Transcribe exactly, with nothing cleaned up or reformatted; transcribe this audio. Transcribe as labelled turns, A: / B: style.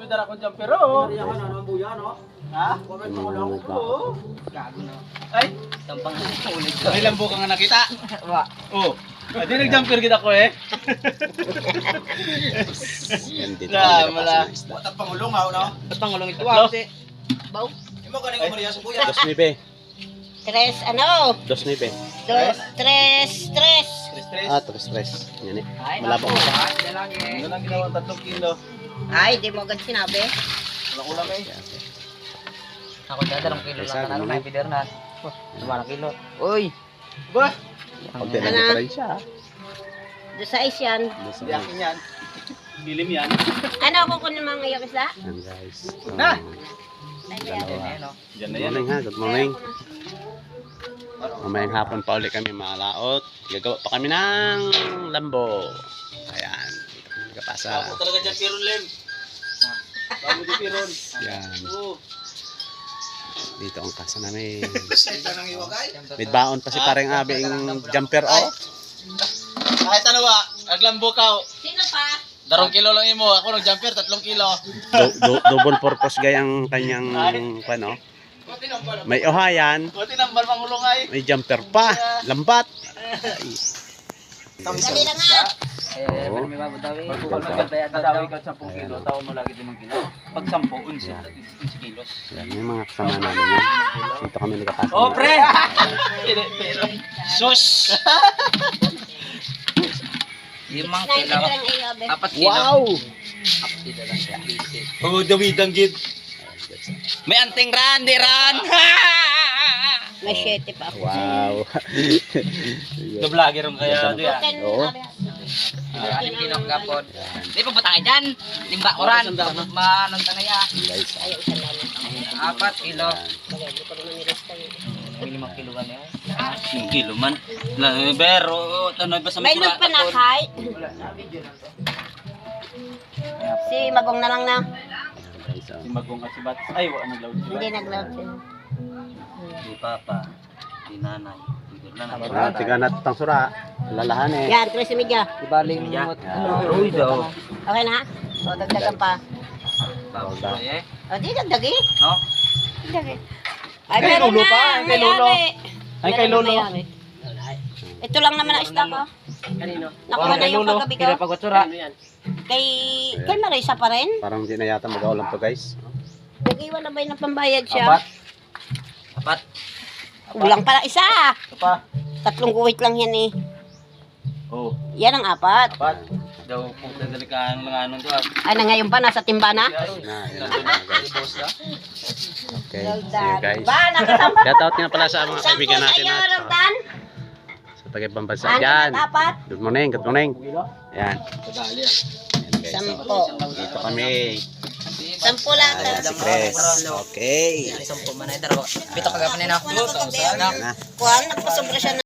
A: dara kong jumper oh.
B: Yan na ang buya no.
A: Ha?
B: Comment mo lang.
A: Oo.
C: Gago na.
A: Ay,
C: Tampang ulit ko.
A: ilang buka nga nakita.
C: Wa.
A: Oh. Adi nag-jumper kita ko eh.
D: Yan dito.
A: Na, mala.
B: Watak pangulong ha no.
C: Ba't pangulong ito ah? Kasi.
B: Baw. Imo ganing ko Maria sa buya.
D: Dos nueve.
E: Tres, ano?
D: Dos nueve.
E: Dos, tres, tres.
A: Stress stress.
D: Ah, tres tres. Yan eh.
C: Ay,
D: Malabang
C: naku,
D: pa.
C: ah, lagi.
A: Ano lang ginawa tatlong kilo.
E: Ay, di mo agad sinabi.
A: Wala ulam eh.
C: Ako dyan, dalawang kilo
D: Isa,
C: lang ka na.
D: ganun.
C: May pider na. Oh, dalawang kilo. Uy!
A: Ba?
D: Kunti lang
E: Ano?
D: diferensya. ah.
E: Do size yan.
D: Dos
A: Di akin yan. Dilim yan.
E: Ano ako kung mga ngayon isla?
D: Yan guys.
A: Na!
E: Ay,
C: Yan
E: kaya.
C: eh, no?
A: Diyan na
D: Good
A: yan.
D: morning ha. Good morning. Mamayang hapon pa ulit kami mga laot. Gagawa pa kami ng lambo. Ayan. Dito kami nagkapasa.
A: Ako talaga dyan piron lem. Bago di piron.
D: Yan.
A: Oo.
D: Dito ang kasa namin.
B: Senta nang iwagay.
D: May baon pa si pareng abing jumper oh.
A: Kahit ano ba, naglambo ka.
E: Sino pa?
A: Darong kilo lang imo. Ako nag-jumper, tatlong kilo.
D: Do, do, double purpose gayang kanyang ano.
A: Buti nambal.
D: May ohayan,
A: Buti nambal pangulong ay.
D: may jumper pa, lambat.
E: Dali lang nga.
C: Eh, pero may babadawi.
A: Pag nagkadawi ka sampung kilo, tao mo lagi limang kilo. Pag sampo, unsi, unsi kilos.
D: Yan, yung mga kasama namin yan. Dito kami nagkapasa.
A: Oh, pre! Pero, sus!
C: Limang
E: Nine
C: kilo.
E: kilo lang iyo, be.
C: Apat kilo.
D: Wow!
C: Apat kilo lang siya.
A: Oh, dawidang gid.
C: May anting ran, di ran!
E: May shete pa ako.
D: Wow!
A: Do vlogger ron kaya do ya.
E: Ten,
D: Oo.
E: abi.
C: Anim kilo ang kapon. Di pa batang dyan. Limba ko ran. Manong tanay ah.
D: Guys,
E: Ayaw isang dami.
C: Apat kilo.
E: Bagay, di ko naman nilista yun.
C: May limang kilo ka niya.
A: Yung kilo man. Pero, tanong ba sa
E: May loot pa na kay. Si Magong na lang na.
D: guys,
A: Si
D: oh.
A: Magong at si Bats. Ay, wala naglaw si
E: Hindi
A: Bats.
E: nag-load siya.
C: Di papa. Di nanay. Di nanay.
D: Ah, tiga na tutang sura. Lalahan eh.
E: Yan, tres media.
C: Di baling mo. Uy daw.
E: Okay na? O, dagdagan pa.
C: Bawo ba eh?
E: O, di dagdagi.
C: No?
E: Dagdagi. Ay,
A: Kay
E: meron
A: Lolo
E: na.
A: pa, kay Lolo.
E: May-ari.
A: Ay, kay
E: Meron
A: Lolo.
E: na may-ari. Ito lang naman ang stock ko.
C: Kanino?
E: Nakuha na yung kagabi ko.
C: Kira pagwatsura.
E: Kay, kay Marisa pa rin.
D: Parang di na yata mag-aulam to guys.
E: Nag-iwan na ba yung pambayad siya?
A: Apat.
C: Apat.
E: Kulang pala isa.
A: Ito pa.
E: Tatlong guwit lang yan eh.
A: Oh,
E: Yan ang apat.
A: apat. Daw puta dalikaan lang anong to.
E: Ay, na ngayon pa, nasa timba na.
D: Na, yan na guys. Okay, see you guys.
E: Ba, nakasama.
D: Shout out nga pala sa mga
E: Sampo
D: kaibigan
E: sa
D: natin
E: iyo,
D: at sa,
E: Roldan.
D: sa pagkipambansa
E: Ano
D: dyan.
E: na dapat?
D: Good morning, good morning. Yan.
A: Kadali ah.
D: Yan, guys.
E: Sampo.
D: Dito kami.
E: Sampo lang.
D: Press. Okay.
C: Isang po manay daro. Pito kagapan na.
E: Kuha na ko
D: Yan na.
E: Kuha, nagpasobra siya